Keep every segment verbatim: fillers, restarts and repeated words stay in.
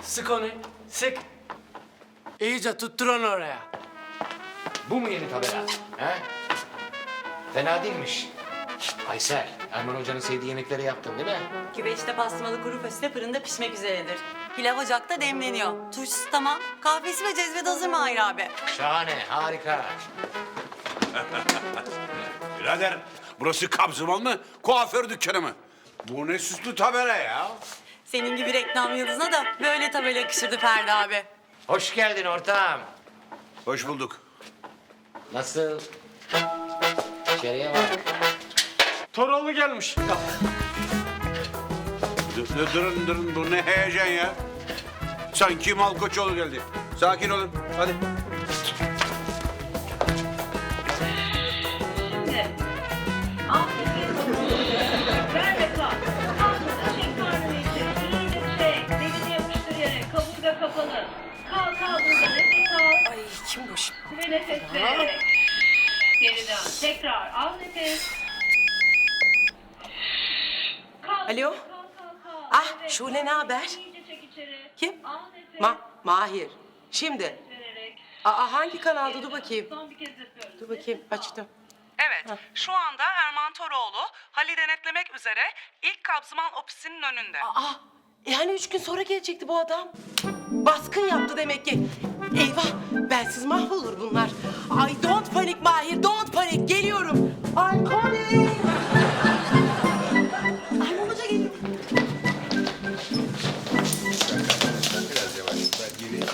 Sık onu, sık. İyice tuttur onu oraya. Bu mu yeni tabela? He? Fena değilmiş. Aysel, Erman Hoca'nın sevdiği yemekleri yaptın değil mi? Güveçte pastırmalı kuru fasulye fırında pişmek üzeredir. Pilav ocakta demleniyor. Turşusu tamam. Kahvesi ve cezvede hazır mı Mahir abi? Şahane, harika. Birader, burası Kabzımal mı, kuaför dükkanı mı? Bu ne süslü tabela ya? Senin gibi reklam yıldızına da böyle tabela yakışırdı Ferdi abi. Hoş geldin ortağım. Hoş bulduk. Nasıl? İçeriye bak. Toroğlu gelmiş. Dur, dur, durun, durun. Bu ne heyecan ya? Sanki Malkoçoğlu geldi. Sakin olun, hadi. Ver ve kalk. Kalkınca çek karnını içeri. İyice çek. Belini yapıştır yere. Kaburga kapalı. Kalk kalk burada. Nefes al. Ay kim bu şimdi? Ve nefes vererek. Geriden. Tekrar. Al nefes. Kalk. Alo? Kalk kalk kalk. Ah, Evet. Şule ne haber? İyice çek içeri. Kim? Al nefes. Ma Mahir. Şimdi. vererek. Aa, hangi kanalda? Dur bakayım. Son bir kez yapıyoruz. Dur bakayım. Açtım. Evet, şu anda Erman Toroğlu hali denetlemek üzere ilk Kabzımal ofisinin önünde. Aa, yani üç gün sonra gelecekti bu adam. Baskın yaptı demek ki. Eyvah, bensiz mahvolur bunlar. Ay don't panik Mahir, don't panik. Geliyorum. Ay coming. Ay Hoca geliyor. Biraz yavaş. Ben gireyim.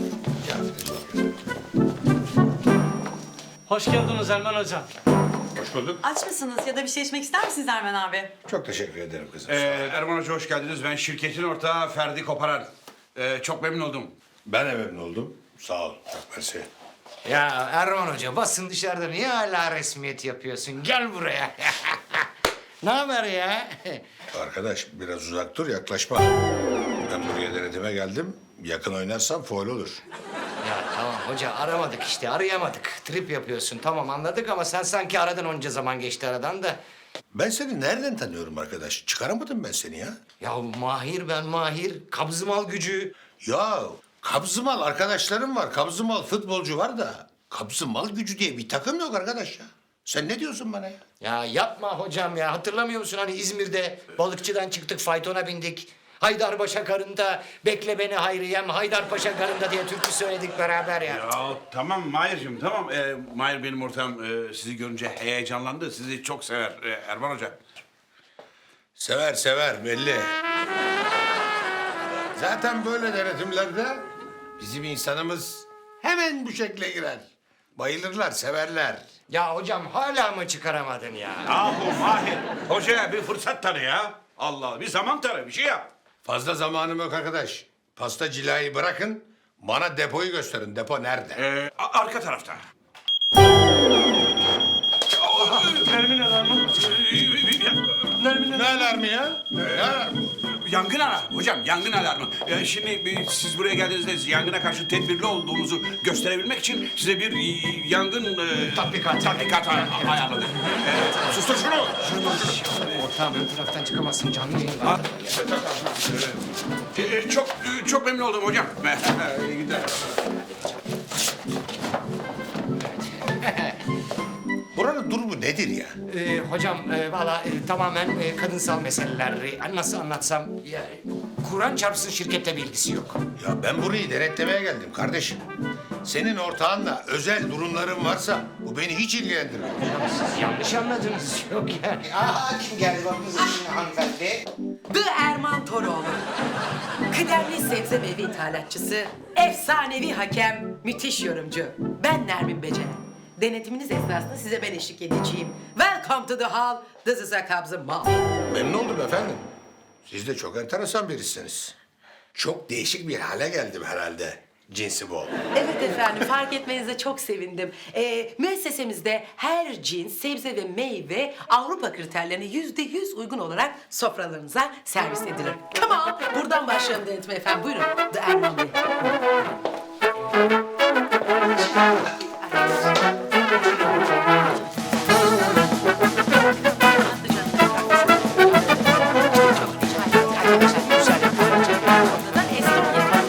Hoş geldiniz Erman Hocam. Hoş bulduk. Aç mısınız ya da bir şey içmek ister misiniz Ermen abi? Çok teşekkür ederim kızım. Ee, Erman Hoca hoş geldiniz. Ben şirketin ortağı Ferdi Koparan. Ee, çok memnun oldum. Ben de memnun oldum. Sağ ol. Çok mersi. Ya Erman Hoca, basın dışarıda niye hala resmiyet yapıyorsun? Gel buraya. Ne haber ya? Arkadaş biraz uzak dur, yaklaşma. Ben buraya denetime geldim. Yakın oynarsan faul olur. Ya tamam hoca, aramadık işte, arayamadık. Trip yapıyorsun, tamam anladık ama sen sanki aradın, onca zaman geçti aradan da. Ben seni nereden tanıyorum arkadaş? Çıkaramadım ben seni ya. Ya Mahir ben Mahir, Kabzımal gücü. Ya Kabzımal arkadaşlarım var. Kabzımal futbolcu var da. Kabzımal gücü diye bir takım yok arkadaş ya. Sen ne diyorsun bana ya? Ya yapma hocam ya, hatırlamıyor musun hani İzmir'de balıkçıdan çıktık, faytona bindik. Haydarpaşa karında, bekle beni Hayriyem, Haydarpaşa karında diye türkü söyledik beraber ya. Ya tamam Mahir'cim tamam. Ee, Mahir benim ortağım. Ee, sizi görünce heyecanlandı. Sizi çok sever ee, Erman Hoca. Sever sever belli. Zaten böyle denetimlerde bizim insanımız hemen bu şekle girer. Bayılırlar, severler. Ya hocam hala mı çıkaramadın ya? Yahu Mahir, hocaya bir fırsat tanı ya. Allah Allah, bir zaman tanı, bir şey yap. Fazla zamanım yok arkadaş. Pasta cilayı bırakın, bana depoyu gösterin. Depo nerede? Ee, a- arka tarafta. Nermin alarmı. Nermin Ne alarmı ya? Ne alarmı? Yangın alarmı hocam, yangın alarmı. Ee, şimdi bir- siz buraya geldiğinizde yangına karşı tedbirli olduğumuzu gösterebilmek için size bir e, yangın e, Tatbikat. tatbikat ay- ayarladık. Ee, sustur şunu. Ortağım ön taraftan çıkamazsın, canlı yayın var. Ee, çok e, çok memnun oldum hocam. İyi günler. Buranın durumu nedir ya? Ee, hocam e, valla e, tamamen e, kadınsal meseleler. E, nasıl anlatsam, ya, Kur'an çarpsın şirkette bir ilgisi yok. Ya ben burayı denetlemeye geldim kardeşim. Senin ortağınla özel durumların varsa bu beni hiç ilgilendirmiyor. Ya siz yanlış anladınız. Yok yani. Aa kim geldi bak kızım hanımefendi. The Erman Toroğlu. Kıdemli sebze meyve ithalatçısı, efsanevi hakem, müthiş yorumcu. Ben Nermin Beceren. Denetiminiz esnasında size ben eşlik edeceğim. Welcome to the hall. This is a Kabzımal. Memnun oldum efendim. Siz de çok enteresan birisiniz. Çok değişik bir hale geldim herhalde. Cinsi bol. Evet efendim, fark etmenize çok sevindim. Ee, müessesemizde her cins sebze ve meyve Avrupa kriterlerine yüzde yüz uygun olarak sofralarınıza servis edilir. Come on, buradan başlayalım denetime efendim. Buyurun, The Erman Bey. Estonya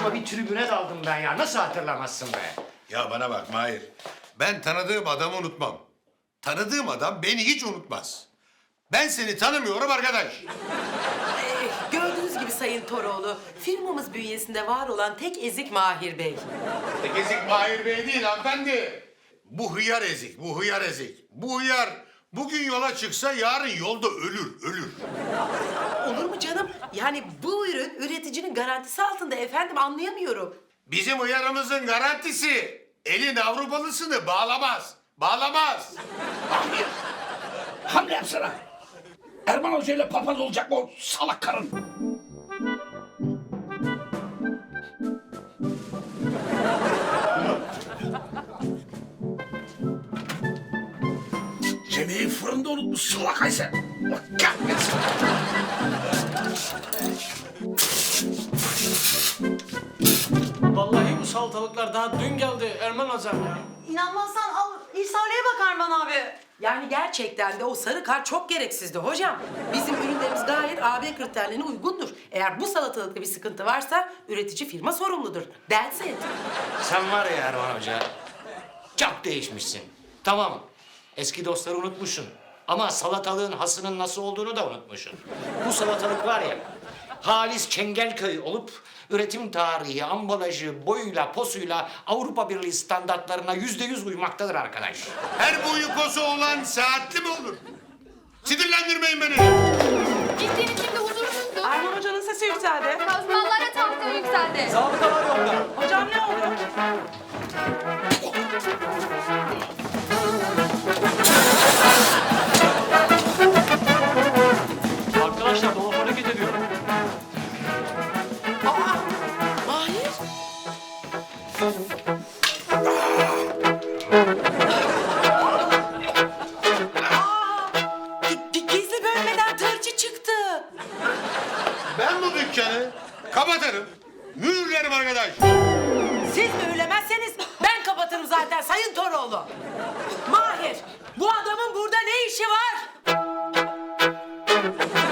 aklıma bir tribüne daldım ben ya. Nasıl hatırlamazsın be? Ya bana bak Mahir. Ben tanıdığım adamı unutmam. Tanıdığım adam beni hiç unutmaz. Ben seni tanımıyorum arkadaş. Ee, gördüğünüz gibi Sayın Toroğlu, firmamız bünyesinde var olan tek ezik Mahir Bey. Tek ezik Mahir Bey değil hanımefendi. Bu hıyar ezik, bu hıyar ezik. Bu hıyar bugün yola çıksa yarın yolda ölür, ölür. Olur mu canım? Yani bu ürün üreticinin garantisi altında efendim, anlayamıyorum. Bizim hıyarımızın garantisi elin Avrupalısını bağlamaz. Bağlamaz. Mahir. Hamle yapsana. Erman Hoca ile papaz olacak mı o salak karın? Yemeği fırında unutmuş salak Aysel. Allah kahretsin. Vallahi bu salatalıklar daha dün geldi Erman hocam ya. İnanmazsan al İrsaliye bak Erman abi. Yani gerçekten de o sarı kar çok gereksizdi hocam. Bizim ürünlerimiz gayet A B kriterlerine uygundur. Eğer bu salatalıkta bir sıkıntı varsa üretici firma sorumludur. That's it. Sen var ya Erman Hoca, çok değişmişsin. Tamam, eski dostları unutmuşsun. Ama salatalığın hasının nasıl olduğunu da unutmuşsun. Bu salatalık var ya, halis Çengelköy olup üretim tarihi, ambalajı, boyuyla, posuyla Avrupa Birliği standartlarına yüzde yüz uymaktadır arkadaş. Her boyu posu olan saatli mi olur? Sinirlendirmeyin beni. Gittiğin için de huzursuzdu. Erman Hoca'nın sesi yükseldi. Kazmanlara tahtaya yükseldi. Zabıta var yolda. Hocam ne oldu? Arkadaşlar dolap hareket ediyor. Aa, Mahir. Aa, gi- gi- gizli bölmeden tırcı çıktı. Ben bu dükkanı kapatırım. Mühürlerim arkadaş. Siz mühürlemezseniz ben kapatırım zaten Sayın Toroğlu. Mahir, bu adamın burada ne işi var?